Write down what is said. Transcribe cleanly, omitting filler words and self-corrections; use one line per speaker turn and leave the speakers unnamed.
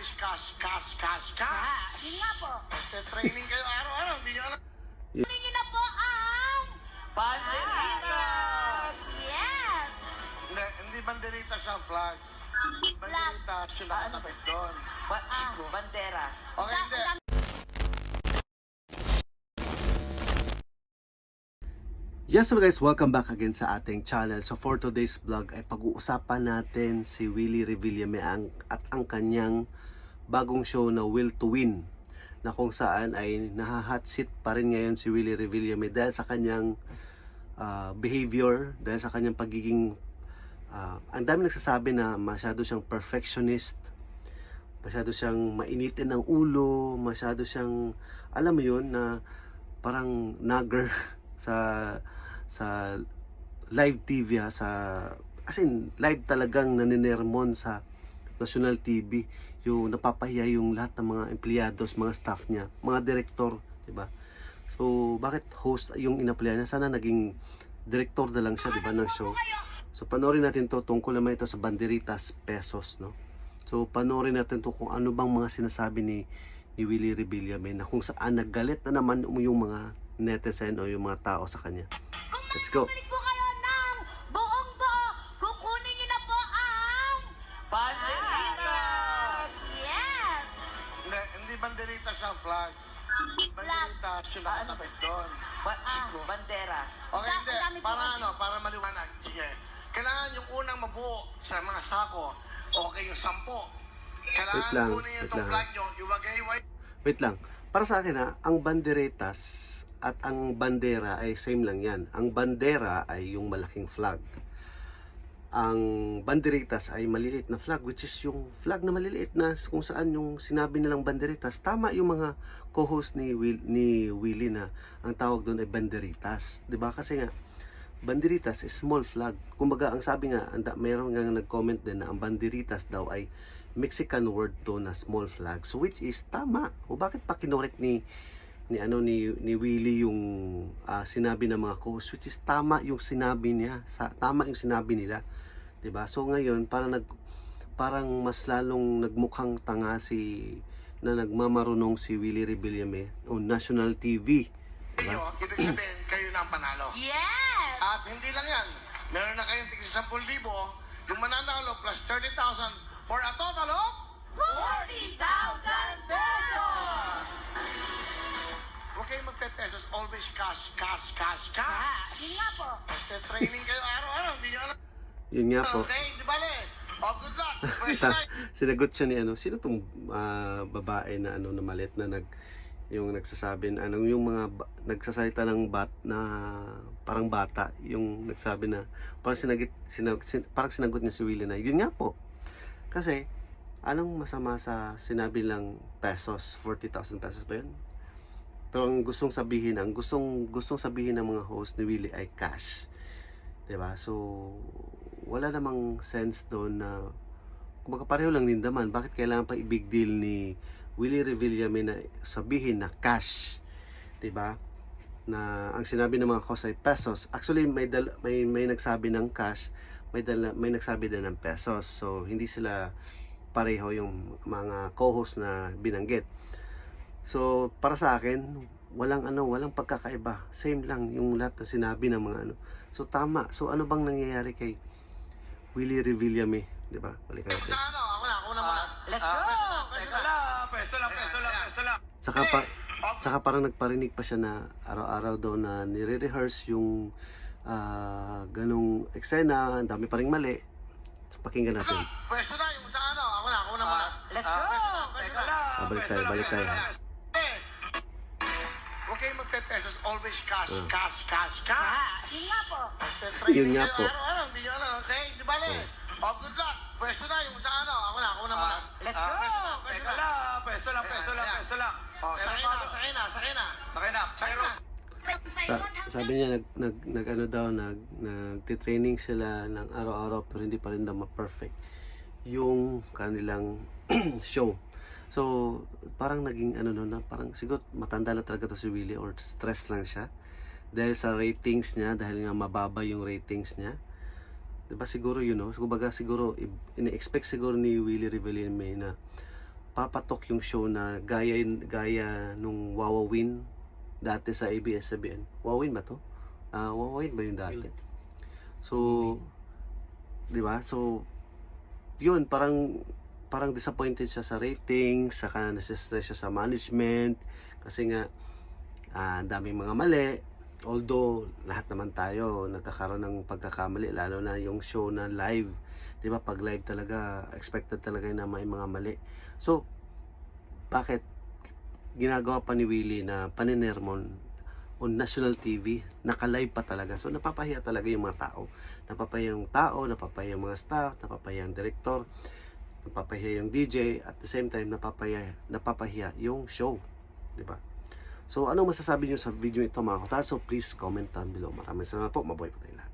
always cash.
Yun nga po.
Training kayo araw-araw, hindi nyo alam.
Kunin niyo na po ang...
Banderitas!
Yes!
Hindi banderita sa flag. Banderita, yung nakatapit doon.
Bandera.
Okay, hindi.
Yes, so guys, welcome back again sa ating channel. So for today's vlog ay pag-uusapan natin si Willie Revillame at ang kanyang bagong show na Will to Win, na kung saan ay naha-hot seat pa rin ngayon si Willie Revillame dahil sa kanyang behavior, dahil sa kanyang pagiging ang dami nagsasabi na masyado siyang perfectionist, masyado siyang mainitin ng ulo, masyado siyang, alam mo yun, na parang nagger sa live TV as in live talagang naninermon sa national TV, yung napapahiya yung lahat ng mga empleyados, mga staff niya, mga direktor, di ba? So bakit host yung inapplyan niya? Sana naging direktor na lang siya, di ba, ng show. So panoorin natin to, tungkol naman ito sa Banderitas Pesos, no? So panoorin natin to kung ano bang mga sinasabi ni Willie Revillame, na kung saan naggalit na naman yung mga netizen o yung mga tao sa kanya. Let's go.
Bumalik po kayo ng buong-buo. Kukunin niyo na po ang...
Banderitas!
Yes!
Hindi banderita sa flag. Banderita, yung nakatapit doon.
Bandera.
Okay, hindi.
Dami po
Para
kasi.
ano, para maliwanag. Sige. Kailangan yung unang mabuo sa mga sako. Okay, yung 10.
Wait
Kailangan
lang,
kunin yung
wait
itong
lang.
flag nyo, iwagay-iway.
Wait lang. Para sa akin ang banderitas at ang bandera ay same lang yan. Ang bandera ay yung malaking flag. Ang banderitas ay maliliit na flag, which is yung flag na maliliit na kung saan yung sinabi nilang banderitas. Tama yung mga co-host ni Willie na ang tawag doon ay banderitas. 'Di ba? Kasi nga banderitas is small flag. Kumbaga ang sabi nga, mayroon nga nag-comment din na ang banderitas daw ay Mexican word to na small flag. So which is tama. O bakit pa kinorek ni Willie yung sinabi ng mga co-host, which is tama yung sinabi niya, tama yung sinabi nila, 'di ba? So ngayon parang mas lalong nagmukhang tanga na nagmamarunong si Willie Revillame on national TV, 'di ba?
Ibig sabihin, kayo na ang panalo.
Yes!
At hindi lang yan. Meron na kayong tigil 10,000, yung mananalo plus 30,000 for a total of
40,000 pesos!
huwag kayong magpe-pesos, always cash.
Yun nga po.
Training kayo araw-araw, hindi nyo alam.
Yun nga po.
Okay, di bale. Oh, good luck. First night.
Sinagot siya ni sino tong babae na na malit na yung nagsasabi na yung mga nagsasalita ng na parang bata, yung nagsabi na parang sinagot niya si Willie na yun nga po. Kasi anong masama sa sinabi lang pesos, 40,000 pesos ba yun? Pero ang gustong sabihin ng mga host ni Willie ay cash. 'Di ba? So wala namang sense doon na kumbaga pareho lang din naman. Bakit kailangan pa i-big deal ni Willie Revillame na sabihin na cash? 'Di ba? Na ang sinabi ng mga host ay pesos. Actually may nagsabi ng cash, may nagsabi din ng pesos. So hindi sila pareho yung mga co-host na binanggit. So para sa akin walang pagkakaiba, same lang yung lahat na sinabi ng mga so tama. So ano bang nangyayari kay Willie Revillame, 'di ba? Balikan natin.
Sa ako na muna.
Let's go!
Peso lang.
Saka parang nagparinig pa siya na araw-araw daw na nire-rehearse yung ganong eksena, ang dami pa ring mali. So pakinggan natin.
Pwesto na, yung sa ako na muna.
Let's go!
Pwesto na.
Balik tayo.
Huwag kayong magpe-pesos, always cash.
Yun nga po.
Yun nga po.
Araw-araw, hindi nyo alam, okay? Di bale. Oh, good luck. Pwesto na, yung sa ako na muna.
Let's go!
Peso lang.
Oh, sakay na.
Sabi niya nagtitraining sila ng araw-araw pero hindi pa rin daw ma-perfect yung kanilang show. So parang naging na parang siguro matanda na talaga to si Willie or stress lang siya dahil sa ratings niya, dahil nga mababa yung ratings niya. Diba siguro kumbaga siguro ini-expect siguro ni Willie Revillame na papatok yung show na gaya nung Wawawin dati sa ABS-CBN. Wawawin ba to? Wawawin ba yung dati? So, di ba? So, yun, parang disappointed siya sa ratings, saka nasistress siya sa management, kasi nga, ang daming mga mali. Although, lahat naman tayo nagkakaroon ng pagkakamali, lalo na yung show na live. Di ba? Pag live talaga, expected talaga na may mga mali. So, bakit ginagawa pa ni Willie na paninermon on national TV, naka-live pa talaga. So, napapahiya talaga yung mga tao. Napapahiya yung tao, napapahiya yung mga staff, napapahiya yung director, napapahiya yung DJ, at the same time, napapahiya yung show. Di ba? So, ano masasabi nyo sa video ito mga kota? So, please comment down below. Maraming salamat po. Mabuhay po tayo lahat.